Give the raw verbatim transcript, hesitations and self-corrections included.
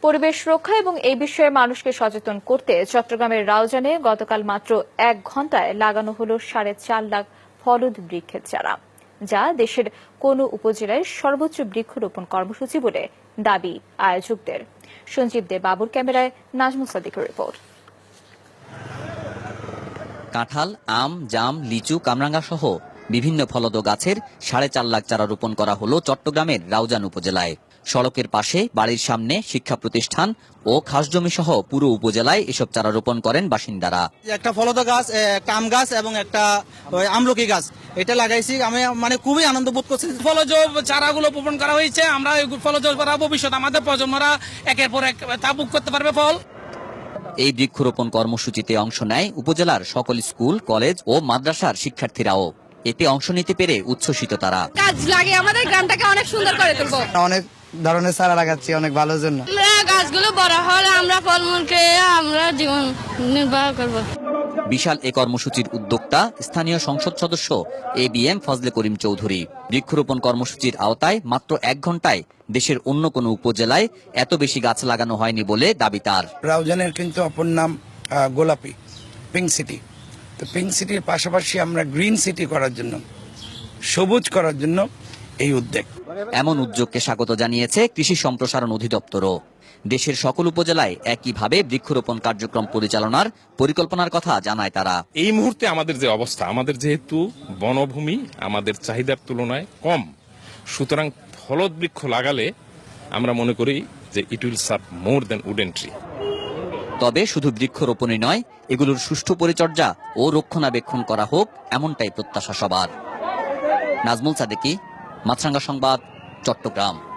পরিবেশ রক্ষা এবং এই বিষয়ে মানুষকে সচেতন করতে চট্টগ্রামের রাউজানে গতকাল মাত্র এক ঘন্টায় লাগানো হলো সাড়ে চার লাখ ফলদ বৃক্ষের চারা, যা দেশের কোন উপজেলায় সর্বোচ্চ বৃক্ষরোপণ কর্মসূচি বলে দাবি আয়োজকদের। সঞ্জীব দে বাবুর ক্যামেরায় নাজমুল সাদিকের রিপোর্ট। কাঁঠাল, আম, জাম, লিচু, কামরাঙ্গা সহ বিভিন্ন ফলদ গাছের সাড়ে চার লাখ চারা রোপণ করা হলো চট্টগ্রামের রাউজান উপজেলায়। সড়কের পাশে, বাড়ির সামনে, শিক্ষা প্রতিষ্ঠান ও খাসজমি সহ পুরো উপজেলায় এসব চারা রোপণ করেন বাসিন্দারা। একটা ফলদ গাছ, একটা আম গাছ এবং একটা আমলকি গাছ এটা লাগাইছি। আমি মানে খুবই আনন্দ বোধ করছি। ফলজ চারাগুলো রোপণ করা হয়েছে, আমরা ফলজ ভবিষ্যৎ আমাদের প্রজন্মরা একের পর এক তা ভোগ করতে পারবে ফল। এই বৃক্ষরোপণ কর্মসূচিতে অংশ নেয় উপজেলার সকল স্কুল, কলেজ ও মাদ্রাসার শিক্ষার্থীরাও। এতে অংশ নিতে পেরে উচ্ছ্বসিত তারা। গাছ লাগে আমাদের গ্রামটাকে অনেক সুন্দর করে তুলবো। অনেক ধরনের চারা লাগাচ্ছি অনেক ভালোর জন্য। গাছগুলো বড় হলে আমরা ফলমূল খেয়ে আমরা জীবন নির্বাহ করব। বিশাল এ কর্মসূচির উদ্যোক্তা স্থানীয় সংসদ সদস্য A B M Fazle Karim Chowdhury. বৃক্ষরোপণ কর্মসূচির আওতায় মাত্র এক ঘন্টায় দেশের অন্য কোনো উপজেলায় এত বেশি গাছ লাগানো হয়নি বলে দাবি তার। রাউজানের কিন্তু অপর নাম গোলাপি, পিঙ্ক সিটি। তো পিঙ্ক সিটির পাশাপাশি আমরা গ্রিন সিটি করার জন্য, সবুজ করার জন্য এই উদ্যোগ। এমন উদ্যোগকে স্বাগত জানিয়েছে কৃষি সম্প্রসারণ অধিদপ্তরও। দেশের সকল উপজেলায় একইভাবে বৃক্ষরোপণ কার্যক্রম পরিচালনার পরিকল্পনার কথা জানায় তারা। এই মুহূর্তে আমাদের যে অবস্থা, আমাদের যেহেতু বনভূমি আমাদের চাহিদার তুলনায় কম, সুতরাং ফলদ বৃক্ষ লাগালে আমরা মনে করি যে it will serve more than wooden tree. তবে শুধু বৃক্ষরোপণই নয়, এগুলোর সুষ্ঠু পরিচর্যা ও রক্ষণাবেক্ষণ করা হোক, এমনটাই প্রত্যাশা সবার। নাজমুল সাদিকি, মাছরাঙ্গা সংবাদ, চট্টগ্রাম।